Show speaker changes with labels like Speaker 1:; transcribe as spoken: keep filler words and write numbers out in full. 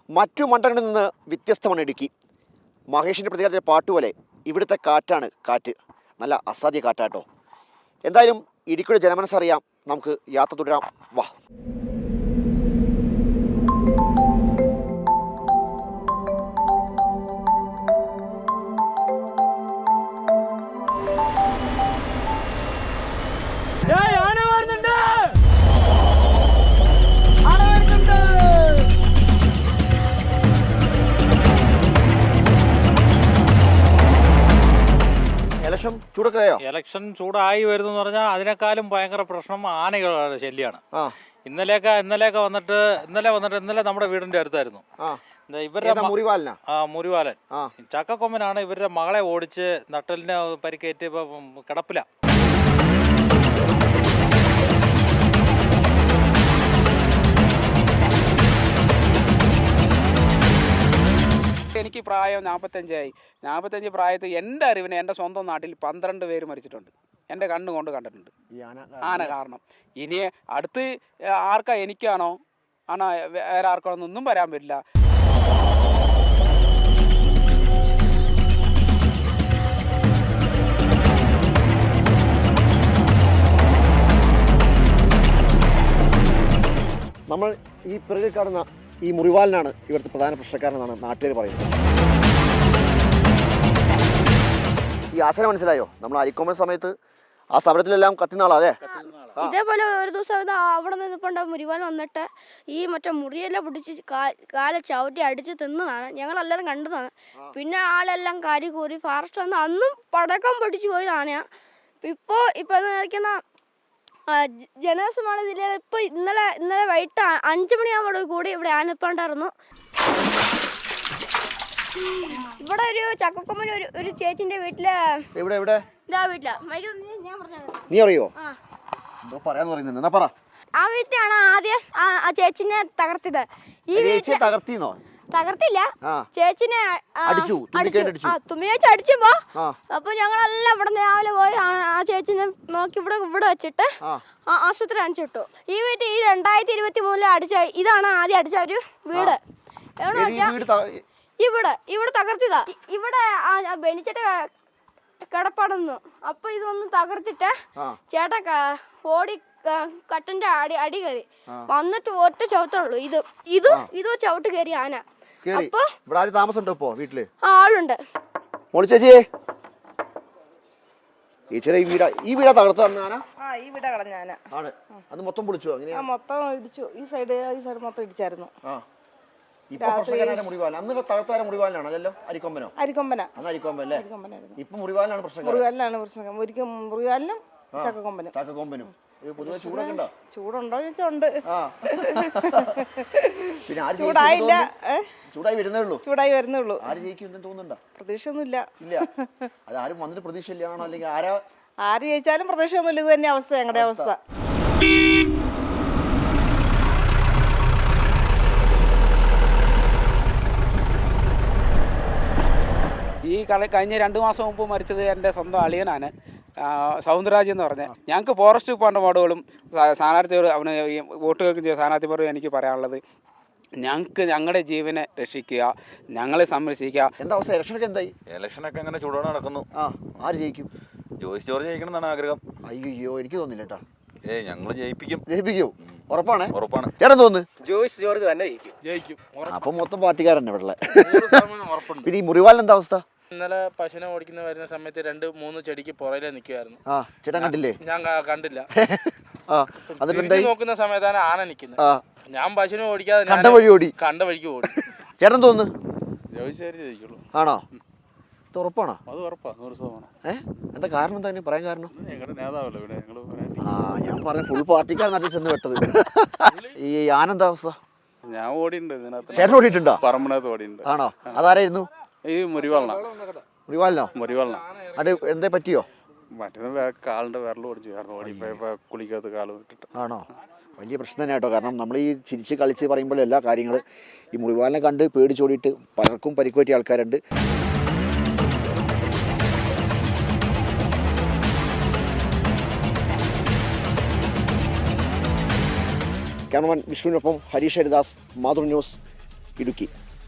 Speaker 1: മറ്റു മണ്ഡലങ്ങളിൽ നിന്ന് വ്യത്യസ്തമാണ് ഇടുക്കി. മഹേഷിൻ്റെ പ്രതികാരത്തിലെ പാട്ടുപോലെ ഇവിടുത്തെ കാറ്റാണ് കാറ്റ്. നല്ല അസാധ്യ കാറ്റാട്ടോ. എന്തായാലും ഇടുക്കിയുടെ ജനമനസ്സറിയാം. നമുക്ക് യാത്ര തുടരാം. വാ. ഇലക്ഷൻ ചൂടൊക്കെയോ?
Speaker 2: ഇലക്ഷൻ ചൂടായി വരുന്നു പറഞ്ഞാൽ അതിനേക്കാളും ഭയങ്കര പ്രശ്നം ആനകളുടെ ശല്യമാണ്. ഇന്നലെയൊക്കെ ഇന്നലെയൊക്കെ വന്നിട്ട് ഇന്നലെ വന്നിട്ട് ഇന്നലെ നമ്മുടെ വീടിന്റെ അടുത്തായിരുന്നു ഇവരുടെ
Speaker 1: മുറിവാലൻ.
Speaker 2: ആ മുറിവാലൻ ചക്കക്കൊമ്പനാണ് ഇവരുടെ മകളെ ഓടിച്ച് നട്ടലിനെ പരിക്കേറ്റ് ഇപ്പൊ കിടപ്പില.
Speaker 3: എനിക്ക് പ്രായം നാൽപ്പത്തഞ്ചായി. നാൽപ്പത്തഞ്ച് പ്രായത്തിൽ എൻ്റെ അറിവിന് എൻ്റെ സ്വന്തം നാട്ടിൽ പന്ത്രണ്ട് പേര് മരിച്ചിട്ടുണ്ട്. എൻ്റെ കണ്ണുകൊണ്ട് കണ്ടിട്ടുണ്ട് ആന കാരണം. ഇനി അടുത്ത് ആർക്കാ, എനിക്കാണോ ആണോ വേറെ ആർക്കാണോ ഒന്നും വരാൻ പറ്റില്ല.
Speaker 1: നമ്മൾ ഈ പിറകിൽ കാണുന്ന ഈ മുറിവാലിനാണ് ഇവിടുത്തെ പ്രധാന പ്രശ്നക്കാരനെന്നാണ് നാട്ടുകാർ പറയുന്നത്. ഈ ആശന മനസ്സിലായോ? നമ്മൾ അരിക്കൊമ്പൻ സമയത്ത് ആ സമരത്തിലെല്ലാം കത്തിനാളല്ലേ?
Speaker 4: ഇതേപോലെ ഒരു ദിവസം അവിടെ നിന്നിപ്പോണ്ട് മുറിവാൻ വന്നിട്ട് ഈ മറ്റേ മുറിയെല്ലാം പിടിച്ച് കാലെ ചവിട്ടി അടിച്ച് തിന്നതാണ്. ഞങ്ങളെല്ലാവരും കണ്ടതാണ്. പിന്നെ ആളെല്ലാം കാരി കൂറി ഫാറസ്റ്റ് വന്ന് അന്നും പടക്കം പൊടിച്ചു പോയതാണ്. ഇപ്പോൾ ഇപ്പോൾ നിൽക്കുന്ന ജനവാസമാണ് ജില്ലയിൽ ഇപ്പോൾ ഇന്നലെ ഇന്നലെ വൈകിട്ട് അഞ്ചു മണിയാകുമ്പോൾ കൂടി ഇവിടെ ആനപ്പാണ്ടായിരുന്നു. ഇവിടെ ഒരു ചക്കക്കൊമ്പൻ ഒരു ഒരു ചേച്ചിന്റെ വീട്ടില്
Speaker 1: എവിടെ എവിടെ
Speaker 4: ഇതാ വീട്ടിലാ. ഞാൻ പറഞ്ഞത്
Speaker 1: നീ അറിയോ? പറയാന്ന് പറയുന്നത് എന്നാ പറ.
Speaker 4: ആ വീട്ടിലാണ് ആദ്യം ആ ചേച്ചിനെ തകർത്തത്. ഈ വീട്ടിൽ
Speaker 1: തകർത്തിന്നോ?
Speaker 4: തകർത്തില്ല, ചേച്ചിനെ തുമ്മിയേച്ചി അടിച്ചുമ്പോ അപ്പൊ ഞങ്ങളെല്ലാം ഇവിടെ രാവിലെ പോയി ആ ചേച്ചിനെ നോക്കി ഇവിടെ ഇവിടെ വെച്ചിട്ട് ആശുപത്രി അടിച്ചു വിട്ടു. ഈ വീട്ടിൽ ഈ രണ്ടായിരത്തി ഇരുപത്തി മൂന്നില് അടിച്ച ഇതാണ് ആദ്യം അടിച്ച ഒരു വീട്. ഇവിടെ ഇവിടെ തകർത്തിതാ. ഇവിടെ ബെനിച്ചിട്ട് കിടപ്പാടുന്നു. അപ്പൊ ഇതൊന്ന് തകർത്തിട്ട് ചേട്ടൻ ഓടി കട്ടന്റെ അടി അടി കയറി വന്നിട്ട് ഒറ്റ ചവിട്ടുള്ളൂ. ഇത് ഇത് ഇത് ചവിട്ട് കയറി ആന. അപ്പൊ
Speaker 1: വീട്ടില്
Speaker 4: ആളുണ്ട്.
Speaker 1: ചേച്ചിയെ ഈ വീടാ ഈ വീടാ തകർത്ത ആന?
Speaker 5: ഈ വീടാ കളഞ്ഞ ആന
Speaker 1: ആണ്. അത് മൊത്തം പൊളിച്ചോ?
Speaker 5: മൊത്തം ഇടിച്ചു. ഈ സൈഡ് ഈ സൈഡ് മൊത്തം ഇടിച്ചായിരുന്നു. അരിക്കൊമ്പന
Speaker 1: അരിക്കൊമ്പനല്ലേ? ഇപ്പൊ മുറിവാലിനാണ് പ്രശ്നം.
Speaker 5: മുറിവാലിനാണ് പ്രശ്നം. ഒരിക്കലും മുറിവാലിനും ചക്കക്കൊമ്പനും
Speaker 1: ചക്കക്കൊമ്പനും ചൂടുണ്ടോ?
Speaker 5: ചൂടുണ്ടോ ചോദിച്ചാ ഉണ്ട്.
Speaker 1: ചൂടായില്ല, ചൂടായി വരുന്നേ ഉള്ളൂ.
Speaker 5: ചൂടായി വരുന്നേ ഉള്ളൂ.
Speaker 1: ആര് ജയിക്കും തോന്നുന്നുണ്ടോ?
Speaker 5: പ്രതീക്ഷയൊന്നുമില്ല.
Speaker 1: ഇല്ല, അത് ആരും വന്നിട്ട് പ്രതീക്ഷ ഇല്ലാണോ? അല്ലെങ്കിൽ ആരാ
Speaker 5: ആര് ജയിച്ചാലും പ്രതീക്ഷയൊന്നുമില്ല. ഇത് തന്നെ അവസ്ഥ, ഞങ്ങളുടെ അവസ്ഥ.
Speaker 3: ഈ കളി കഴിഞ്ഞ രണ്ട് മാസം മുമ്പ് മരിച്ചത് എൻ്റെ സ്വന്തം അളിയനാണ്, സൗന്ദരാജ് എന്ന് പറഞ്ഞത്. ഞങ്ങൾക്ക് ഫോറസ്റ്റ് ഡിപ്പാർട്ട്മെന്റ് വാർഡുകളും സ്ഥാനാർത്ഥിയോട് അവന് വോട്ട് കേൾക്കുന്ന സ്ഥാനാർത്ഥിയോട് എനിക്ക് പറയാനുള്ളത്, ഞങ്ങൾക്ക് ഞങ്ങളുടെ ജീവനെ രക്ഷിക്കുക, ഞങ്ങളെ സംരക്ഷിക്കുക.
Speaker 1: എന്താ അവസ്ഥ? ഇലക്ഷനൊക്കെ എന്തായി?
Speaker 6: ഇലക്ഷനൊക്കെ അങ്ങനെ ചൂടോടെ നടക്കുന്നു.
Speaker 1: ആ, ആര് ജയിക്കും?
Speaker 6: ജോയിസ് ജോർജ് ജയിക്കണം എന്നാണ് ആഗ്രഹം.
Speaker 1: അയ്യോ, എനിക്ക് തോന്നില്ല കേട്ടാ.
Speaker 6: ഏ ഞങ്ങൾ ജയിപ്പിക്കും.
Speaker 1: ജയിപ്പിക്കോ? ഉറപ്പാണ്?
Speaker 6: ഉറപ്പാണ്.
Speaker 1: ചേട്ടൻ തോന്നുന്നു
Speaker 2: ജോയിസ് ജോർജ് തന്നെ ജയിക്കും. ജയിക്കും.
Speaker 1: അപ്പൊ മൊത്തം പാർട്ടിക്കാരൻ ഇവിടെ. പിന്നെ ഈ മുറിവാലിന് എന്താ അവസ്ഥ?
Speaker 7: ഇന്നലെ പശുവിനെ ഓടിക്കുന്ന വരുന്ന സമയത്ത് രണ്ട് മൂന്ന് ചെടിക്ക് പുറകിലെ നിൽക്കുമായിരുന്നു.
Speaker 1: ആ, ചേട്ടൻ കണ്ടില്ലേ?
Speaker 7: ഞാൻ കണ്ടില്ല.
Speaker 1: നോക്കുന്ന
Speaker 7: സമയത്താണ് ആന നിൽക്കുന്നത്. ഞാൻ പശുവിനെ ഓടിക്കാതെ
Speaker 1: കണ്ട വഴി ഓടി
Speaker 7: കണ്ട വഴിക്ക് ഓടി.
Speaker 1: ചേട്ടൻ തോന്നുന്നു
Speaker 6: ജയിക്കുള്ളൂ.
Speaker 1: ആണോ? ഉറപ്പാണോ?
Speaker 6: അത് ഉറപ്പാ, നൂറ് ശതമാനം.
Speaker 1: ഏഹ് എന്താ കാരണം? എന്താ പറയാൻ കാരണം?
Speaker 6: ഞങ്ങളുടെ നേതാവല്ലോ ഇവിടെ.
Speaker 1: ആ, ഞാൻ പറഞ്ഞ ഫുൾ പാർട്ടിക്കാർ നാട്ടിൽ ചെന്ന് വെട്ടത്. ഈ ആനന്ദ അവസ്ഥ?
Speaker 6: ഞാൻ ഓടിയുണ്ട് ഇതിനകത്ത്.
Speaker 1: ചേട്ടൻ ഓടിയിട്ടുണ്ടോ?
Speaker 6: പറമ്പിനകത്ത് ഓടിയുണ്ട്.
Speaker 1: ആണോ? അതാരായിരുന്നു?
Speaker 6: ഈ മുറിവാളന.
Speaker 1: മുറിവാലിനോ?
Speaker 6: മുറിവാളന.
Speaker 1: അത് എന്തേ പറ്റിയോ?
Speaker 6: മറ്റേ കാലിന്റെ വിരൽ ഓടിച്ചു ഓടിപ്പോ കുളിക്കകത്ത് കാല് വിട്ടിട്ട്.
Speaker 1: ആണോ? വലിയ പ്രശ്നം തന്നെ കേട്ടോ. കാരണം നമ്മൾ ഈ ചിരിച്ച് കളിച്ച് പറയുമ്പോൾ എല്ലാ കാര്യങ്ങൾ ഈ മുറിവാലിനെ കണ്ട് പേടിച്ചോടിയിട്ട് പലർക്കും പരിക്ക് പറ്റിയ ആൾക്കാരുണ്ട്. ക്യാമറമാൻ വിഷ്ണുവിനൊപ്പം ഹരീഷ് ഹരിദാസ്, മാതൃ ന്യൂസ്, ഇടുക്കി.